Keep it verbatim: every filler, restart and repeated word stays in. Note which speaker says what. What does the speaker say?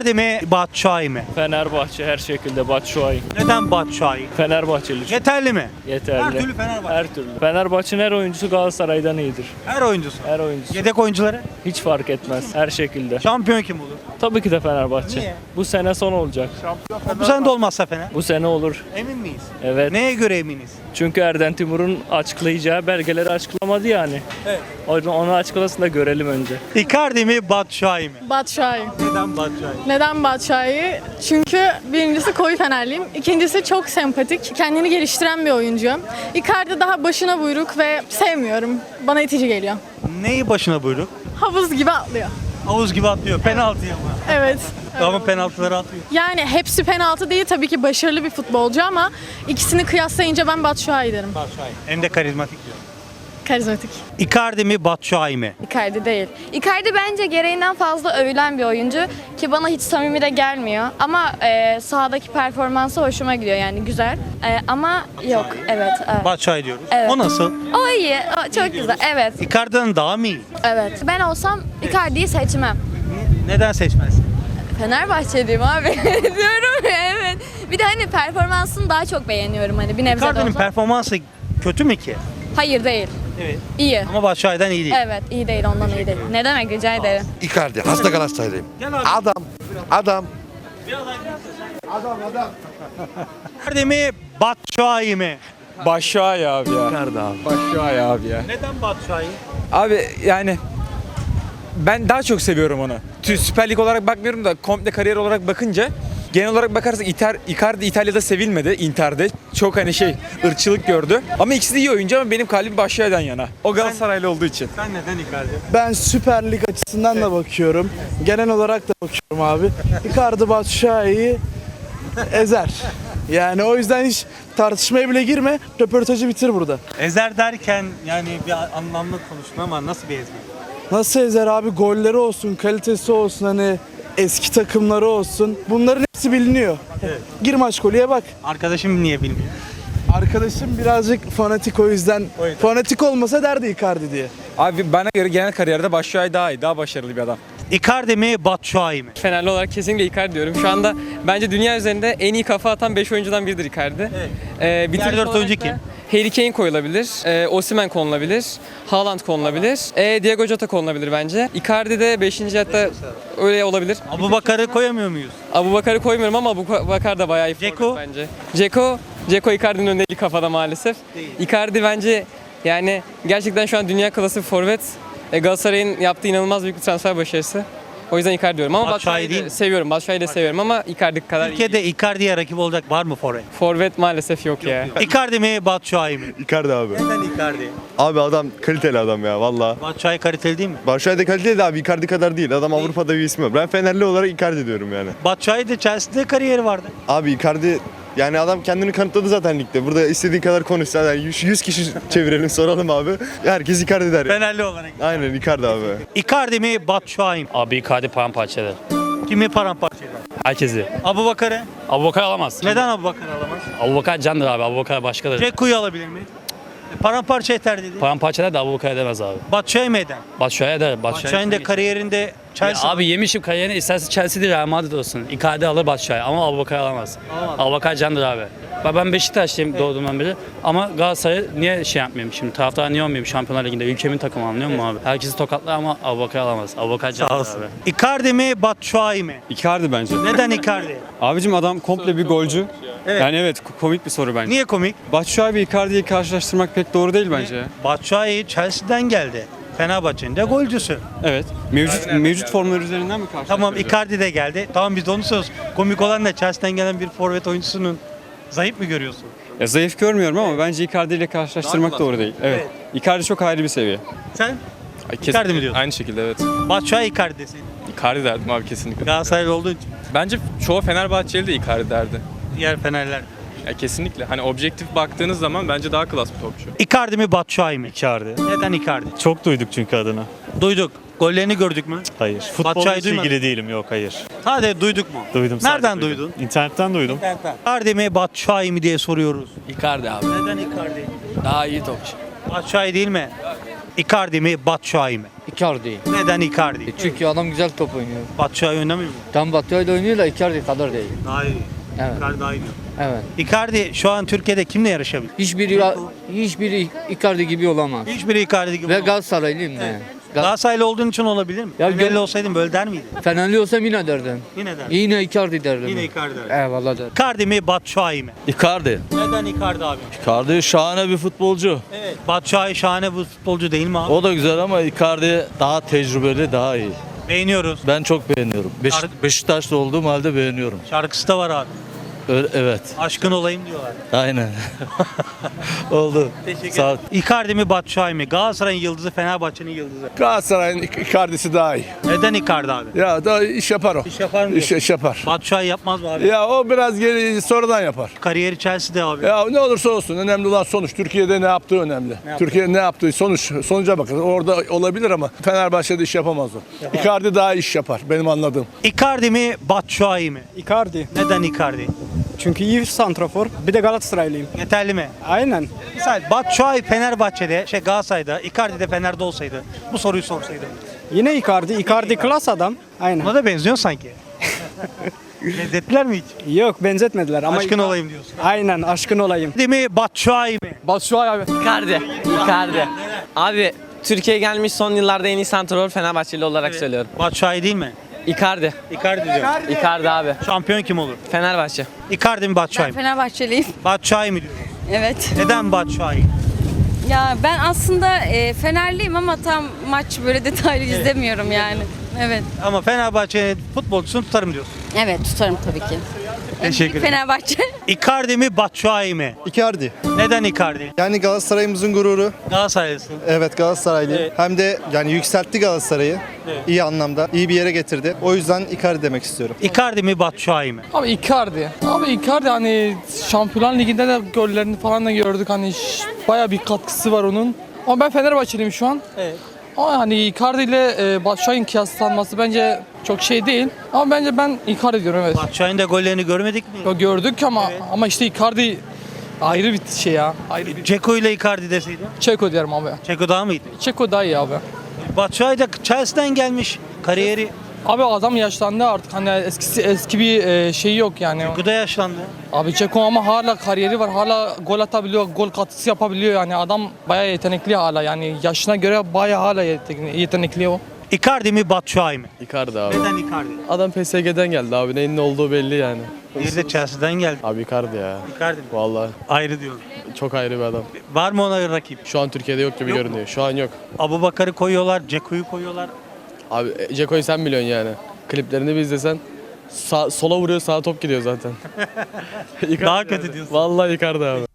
Speaker 1: Icardi mi, Batshuayi mi?
Speaker 2: Fenerbahçe her şekilde Batshuayi.
Speaker 1: Neden Batshuayi?
Speaker 2: Fenerbahçeli çünkü.
Speaker 1: Yeterli mi?
Speaker 2: Yeterli.
Speaker 1: Her türlü Fenerbahçe.
Speaker 2: Her türlü. Fenerbahçe'nin her oyuncusu Galatasaray'dan iyidir.
Speaker 1: Her oyuncusu.
Speaker 2: Her oyuncusu.
Speaker 1: Yedek oyuncuları?
Speaker 2: Hiç fark etmez. Her şekilde.
Speaker 1: Şampiyon kim olur?
Speaker 2: Tabii ki de Fenerbahçe.
Speaker 1: Niye?
Speaker 2: Bu sene son olacak.
Speaker 1: Bu sene de olmazsa Fener.
Speaker 2: Bu sene olur.
Speaker 1: Emin miyiz?
Speaker 2: Evet.
Speaker 1: Neye göre eminiz?
Speaker 2: Çünkü Erden Timur'un açıklayacağı belgeleri açıklamadı yani.
Speaker 1: Evet.
Speaker 2: O yüzden onu açıklasın da görelim önce.
Speaker 1: Icardi mi, Batshuayi mi?
Speaker 3: Batshuayi.
Speaker 1: Neden Batshuayi?
Speaker 3: Neden Batshuayi? Çünkü birincisi koyu Fenerliyim. İkincisi çok sempatik, kendini geliştiren bir oyuncu. Icardi daha başına buyruk ve sevmiyorum. Bana itici geliyor.
Speaker 1: Neyi başına buyruk?
Speaker 3: Havuz gibi atlıyor.
Speaker 1: Havuz gibi atlıyor. Penaltıya mı?
Speaker 3: Evet.
Speaker 1: Ama penaltıları atıyor.
Speaker 3: Yani hepsi penaltı değil, tabii ki başarılı bir futbolcu ama ikisini kıyaslayınca ben Batshuayi derim.
Speaker 1: Batshuayi. Hem de karizmatik diyor.
Speaker 3: Karizmatik.
Speaker 1: Icardi mi, Batshuayi mi?
Speaker 4: Icardi değil. Icardi bence gereğinden fazla övülen bir oyuncu ki bana hiç samimi de gelmiyor. Ama e, sahadaki performansı hoşuma gidiyor yani güzel. E, ama yok, evet. evet.
Speaker 1: Batshuayi diyoruz.
Speaker 4: Evet.
Speaker 1: O nasıl?
Speaker 4: O iyi, o çok güzel. Evet,
Speaker 1: Icardi'den daha mı iyi?
Speaker 4: evet. Ben olsam Icardi'yi seçmem.
Speaker 1: Neden seçmezsin?
Speaker 4: Fenerbahçeliyim abi. Diyorum ya, evet. Bir de hani performansını daha çok beğeniyorum hani bir nebze de
Speaker 1: Icardi'nin
Speaker 4: olsa.
Speaker 1: performansı kötü mü ki?
Speaker 4: Hayır değil.
Speaker 1: Evet.
Speaker 4: İyi.
Speaker 1: Ama Batshuayi'den iyi değil.
Speaker 4: Evet, iyi değil, ondan iyi değil. Ne demek, rica ederim.
Speaker 5: Icardi. Hasta Galatasaraylıyım.
Speaker 1: Gel abi.
Speaker 5: Adam. Adam.
Speaker 1: Icardi mi, Batshuayi mi?
Speaker 6: Batshuayi abi ya.
Speaker 5: Icardi abi.
Speaker 6: Batshuayi abi ya.
Speaker 1: Neden Batshuayi?
Speaker 6: Abi yani ben daha çok seviyorum onu. Tü- Süper Lig olarak bakmıyorum da komple kariyer olarak bakınca genel olarak bakarsak Icar, Icardi İtalya'da sevilmedi, Inter'de. Çok hani şey ırkçılık gördü. Ama ikisi de iyi oyuncu ama benim kalbim Batshuayi'den yana. O Galatasaraylı olduğu için.
Speaker 1: Sen neden Icardi?
Speaker 7: Ben Süper Lig açısından da bakıyorum. Genel olarak da bakıyorum abi. Icardi Batshuayi'yi ezer. Yani o yüzden hiç tartışmaya bile girme. Röportajı bitir burada.
Speaker 1: Ezer derken yani bir anlamlı konuştun ama nasıl bir ezber?
Speaker 7: Nasıl ezer abi? Golleri olsun, kalitesi olsun, hani eski takımları olsun. Bunların hepsi biliniyor.
Speaker 1: Evet.
Speaker 7: Gir maç golüye bak.
Speaker 1: Arkadaşım niye bilmiyor?
Speaker 7: Arkadaşım birazcık fanatik, o yüzden.
Speaker 1: O yüzden.
Speaker 7: Fanatik olmasa derdi Icardi diye.
Speaker 6: Abi bana göre genel kariyerde Batshuayi daha iyi, daha başarılı bir adam.
Speaker 1: Icardi mi, Batshuayi mi?
Speaker 8: Fenerli olarak kesinlikle Icardi diyorum. Şu anda bence dünya üzerinde en iyi kafa atan beş oyuncudan biridir Icardi.
Speaker 1: Evet.
Speaker 8: Ee, bitirici
Speaker 1: Diğer dört
Speaker 8: olarak
Speaker 1: oyuncu
Speaker 8: da
Speaker 1: kim?
Speaker 8: Harry Kane koyulabilir, e, Osimhen konulabilir, Haaland konulabilir, e, Diego Jota konulabilir bence. Icardi de beşinci hatta öyle olabilir.
Speaker 1: Abubakar'ı koyamıyor muyuz?
Speaker 8: Abubakar'ı koymuyorum ama Abubakar da bayağı iyi forvet
Speaker 1: Dzeko?
Speaker 8: bence. Dzeko, Dzeko Icardi'nin önünde değil kafada maalesef. Icardi bence yani gerçekten şu an dünya klası bir forvet. E, Galatasaray'ın yaptığı inanılmaz büyük bir transfer başarısı. O yüzden Icardi diyorum ama
Speaker 1: Batshuayi
Speaker 8: Batshuayi'yi
Speaker 1: değil
Speaker 8: de
Speaker 1: mi?
Speaker 8: seviyorum. Batshuayi'yi de seviyorum ama Icardi kadar iyi.
Speaker 1: Türkiye'de Icardi'ye rakip olacak var mı forvet?
Speaker 8: Forvet maalesef yok ya.
Speaker 1: Icardi mi, Batshuayi mi?
Speaker 9: Icardi abi.
Speaker 1: Neden Icardi?
Speaker 9: Abi adam kaliteli adam ya valla.
Speaker 1: Batshuayi kaliteli değil mi?
Speaker 9: Batshuayi de kaliteli de abi Icardi kadar değil. Adam Avrupa'da bir ismi var. Ben Fenerli olarak Icardi diyorum yani.
Speaker 1: Batshuayi de Chelsea'de kariyeri vardı.
Speaker 9: Abi Icardi yani adam kendini kanıtladı zaten ligde. Burada istediği kadar konuşsa yani yüz kişi çevirelim soralım abi. Herkes Icardi der.
Speaker 1: Fenerli olarak.
Speaker 9: Aynen Icardi abi.
Speaker 1: Icardi mi, Batshuayi mi?
Speaker 10: Abi Icardi paramparça eder.
Speaker 1: Kimi paramparça eder?
Speaker 10: Herkesi.
Speaker 1: Abubakar'ı?
Speaker 10: Abubakar alamaz.
Speaker 1: Neden Abubakar alamaz?
Speaker 10: Abubakar candır abi. Abubakar başkadır.
Speaker 1: Ceku'yu alabilir mi? E, Paramparça eder dedi.
Speaker 10: Paramparça eder de Abubakar edemez abi.
Speaker 1: Batshuayi mi eder?
Speaker 10: Batshuayi eder.
Speaker 1: Batshuayi'nin de kariyerinde
Speaker 10: Ya
Speaker 1: Chelsea.
Speaker 10: abi yemişim kariyerini isterse Chelsea değil Real Madrid olsun. Icardi alır Batshuayi ama Abubakar alamaz.
Speaker 1: Alamaz.
Speaker 10: Abubakar candır abi. Bak ben Beşiktaşlıyım doğduğumdan beri ama Galatasaray'ı niye şey yapmayayım şimdi taraftar niye olmayayım Şampiyonlar Ligi'nde ülkemin takımı anlıyor musun abi? Herkesi tokatlar ama Abubakar alamaz. Abubakar candır
Speaker 1: Sağ
Speaker 10: abi.
Speaker 1: olsun. Icardi mi, Batshuayi mi?
Speaker 6: Icardi bence.
Speaker 1: Neden Icardi?
Speaker 6: Abicim adam komple bir golcü.
Speaker 1: Evet.
Speaker 6: Yani evet komik bir soru bence.
Speaker 1: Niye komik?
Speaker 6: Batshuayi ve Icardi'yi karşılaştırmak pek doğru değil bence.
Speaker 1: Batshuayi Chelsea'den geldi. Fenerbahçe'nin de golcüsü.
Speaker 6: Evet. Mevcut mevcut formlar üzerinden mi karşılaştıracağız?
Speaker 1: Tamam Icardi de geldi. Tamam biz de onu söz. Komik olan da Chelsea'den gelen bir forvet oyuncusunun zayıf mı görüyorsun?
Speaker 6: Ya zayıf görmüyorum ama bence Icardi ile karşılaştırmak doğru değil. Evet. Icardi çok ayrı bir seviye.
Speaker 1: Sen? Icardi mi diyorsun?
Speaker 11: Aynı şekilde evet.
Speaker 1: Batshuayi Icardi deseydin.
Speaker 11: Icardi derdim abi kesinlikle.
Speaker 1: Galatasaraylı olduğun için.
Speaker 11: Bence çoğu Fenerbahçeli de Icardi derdi.
Speaker 1: Diğer Fenerler.
Speaker 11: Ya kesinlikle. Hani objektif baktığınız zaman bence daha klas bir topçu.
Speaker 1: Icardi mi, Batshuayi mi?
Speaker 12: Icardi.
Speaker 1: Neden Icardi?
Speaker 12: Çok duyduk çünkü adını.
Speaker 1: Duyduk. Gollerini gördük mü?
Speaker 12: Hayır. Futbolla
Speaker 1: Batshuayi
Speaker 12: hiç
Speaker 1: duymadın.
Speaker 12: ilgili değilim. Yok hayır.
Speaker 1: Sadece duyduk mu?
Speaker 12: Duydum. sadece
Speaker 1: Nereden
Speaker 12: duydum.
Speaker 1: duydun?
Speaker 12: İnternetten duydum.
Speaker 1: Icardi mi, Batshuayi mi diye soruyoruz.
Speaker 8: Icardi abi.
Speaker 1: Neden Icardi?
Speaker 8: Daha iyi topçu.
Speaker 1: Batshuayi değil mi? Icardi mi, Batshuayi mi?
Speaker 13: Icardi.
Speaker 1: Neden Icardi?
Speaker 13: Çünkü adam güzel top oynuyor.
Speaker 1: Batshuayi oynamıyor mu?
Speaker 13: Tam Batı'yla oynuyor da Icardi kadar değil.
Speaker 1: Daha iyi.
Speaker 13: Evet.
Speaker 1: Icardi daha iyi.
Speaker 13: Evet.
Speaker 1: Icardi şu an Türkiye'de kimle yarışabilir?
Speaker 13: Hiçbiri hiçbiri Icardi gibi olamaz.
Speaker 1: Hiçbiri Icardi gibi
Speaker 13: Ve
Speaker 1: olmaz.
Speaker 13: Galatasaraylıyım ben. Gal-
Speaker 1: Galatasaraylı olduğun için olabilir mi?
Speaker 13: Ya
Speaker 1: Ya
Speaker 13: gör-
Speaker 1: olsaydın böyle der miydin?
Speaker 13: Fenerli olsam yine derdim.
Speaker 1: Yine der.
Speaker 13: Yine Icardi derdim.
Speaker 1: Yine Icardi der.
Speaker 13: Eyvallah derdim.
Speaker 1: Icardi mi, Batshuayi mi?
Speaker 12: Icardi.
Speaker 1: Neden Icardi abi?
Speaker 12: Icardi şahane bir futbolcu.
Speaker 1: Evet. Batshuayi şahane bir futbolcu değil mi abi?
Speaker 12: O da güzel ama Icardi daha tecrübeli, daha iyi.
Speaker 1: Beğeniyoruz.
Speaker 12: Ben çok beğeniyorum. Beş,
Speaker 1: Şarkı-
Speaker 12: Beşiktaşlı olduğum halde beğeniyorum.
Speaker 1: Şarkısı da var abi.
Speaker 12: Öyle, evet.
Speaker 1: Aşkın olayım diyorlar.
Speaker 12: Aynen. Oldu.
Speaker 1: Teşekkür
Speaker 12: Sağ ol.
Speaker 1: ederim. Icardi mi, Batshuayi mi? Galatasaray'ın yıldızı, Fenerbahçe'nin yıldızı.
Speaker 7: Galatasaray'ın Icardi'si daha iyi.
Speaker 1: Neden Icardi abi?
Speaker 7: Ya da iş yapar o.
Speaker 1: İş yapar mı? diyorsun?
Speaker 7: iş yapar.
Speaker 1: Batshuayi yapmaz mı abi?
Speaker 7: Ya o biraz geri sonradan yapar.
Speaker 1: Kariyeri Chelsea'de abi.
Speaker 7: Ya ne olursa olsun önemli olan sonuç. Türkiye'de ne yaptığı önemli.
Speaker 1: yaptı?
Speaker 7: Türkiye'de ne yaptığı sonuç. Sonuca bakın. Orada olabilir ama Fenerbahçe'de iş yapamaz o. Icardi daha iş yapar benim anladığım.
Speaker 1: Icardi mi, Batshuayi mi?
Speaker 14: Icardi.
Speaker 1: Neden Icardi?
Speaker 14: Çünkü iyi santrafor. Bir de Galatasaraylıyım.
Speaker 1: Yeterli mi?
Speaker 14: Aynen.
Speaker 1: Misal Batshuayi Fenerbahçe'de, şey Galatasaray'da, Icardi de Fener'de olsaydı bu soruyu sorsaydım.
Speaker 14: Yine Icardi. Icardi klas adam. Aynen.
Speaker 1: Ona da benziyor sanki. Benzettiler mi hiç?
Speaker 14: Yok benzetmediler ama
Speaker 1: Aşkın olayım diyorsun.
Speaker 14: Aynen aşkın olayım.
Speaker 1: Değil mi, Batshuayi mi?
Speaker 14: Batshuayi abi.
Speaker 8: Icardi. Icardi. Abi Türkiye'ye gelmiş son yıllarda en iyi santrafor Fenerbahçeli olarak söylüyorum.
Speaker 1: Batshuayi değil mi?
Speaker 8: Icardi.
Speaker 1: Icardi diyor.
Speaker 8: Icardi abi.
Speaker 1: Şampiyon kim olur?
Speaker 8: Fenerbahçe.
Speaker 1: Icardi mi, Batshuayi mi?
Speaker 4: Fenerbahçeliyim.
Speaker 1: Batshuayi mi diyor?
Speaker 4: Evet.
Speaker 1: Neden Batshuayi?
Speaker 4: Ya ben aslında e, Fenerliyim ama tam maç böyle detaylı izlemiyorum yani. Evet.
Speaker 1: Ama Fenerbahçe'nin futbolcusunu tutarım diyorsun.
Speaker 4: Evet tutarım tabii ki.
Speaker 1: Teşekkür ederim.
Speaker 4: Fenerbahçe.
Speaker 1: Icardi mi, Batshuayi mi?
Speaker 9: Icardi.
Speaker 1: Neden Icardi?
Speaker 9: Yani Galatasaray'ımızın gururu.
Speaker 1: Galatasaraylısın.
Speaker 9: Evet Galatasaraylıyım.
Speaker 1: Evet.
Speaker 9: Hem de yani yükseltti Galatasaray'ı.
Speaker 1: Evet.
Speaker 9: İyi anlamda. İyi bir yere getirdi. O yüzden Icardi demek istiyorum.
Speaker 1: Icardi mi, Batshuayi mi?
Speaker 14: Abi Icardi. Abi Icardi hani Şampiyonlar Ligi'nde de gollerini falan da gördük. Hani baya bir katkısı var onun. Ama ben Fenerbahçeliyim şu an.
Speaker 1: Evet.
Speaker 14: Ama hani Icardi ile e, Batshuayi'nin kıyaslanması bence çok şey değil. Ama bence ben Icardi diyorum evet.
Speaker 1: Batshuayi'nin de gollerini görmedik mi?
Speaker 14: Ya gördük ama
Speaker 1: Evet.
Speaker 14: ama işte Icardi ayrı bir şey ya. Ayrı bir
Speaker 1: Ceko ile Icardi deseydi.
Speaker 14: Çeko diyorum abi.
Speaker 1: Ceko daha mıydı?
Speaker 14: Çeko daha iyi abi.
Speaker 1: Batshuayi de Chelsea'den gelmiş. Kariyeri
Speaker 14: Abi adam yaşlandı artık hani eskisi eski bir e, şey yok yani.
Speaker 1: Ceko da yaşlandı.
Speaker 14: Abi Çeko ama hala kariyeri var. Hala gol atabiliyor, gol katkısı yapabiliyor yani. Adam bayağı yetenekli hala yani yaşına göre bayağı hala yetenekli, yetenekli o.
Speaker 1: Icardi mi, Batshuayi mi?
Speaker 8: Icardi abi.
Speaker 1: Neden Icardi?
Speaker 8: Adam P S G'den geldi abi. Neyin ne olduğu belli yani.
Speaker 1: Bir de Chelsea'den geldi.
Speaker 8: Abi Icardi ya.
Speaker 1: Icardi mi?
Speaker 8: Vallahi
Speaker 1: Ayrı diyorum.
Speaker 8: çok ayrı bir adam.
Speaker 1: Var mı ona rakip?
Speaker 8: Şu an Türkiye'de yok gibi
Speaker 1: Yok mu?
Speaker 8: görünüyor. Şu an yok.
Speaker 1: Abubakar'ı koyuyorlar, Ceko'yu koyuyorlar.
Speaker 8: Abi Ceko'yu sen biliyorsun yani. Kliplerini bir izlesen sağ, sola vuruyor sağa top gidiyor zaten.
Speaker 1: Daha kötü diyorsun.
Speaker 8: Vallahi Icardi abi.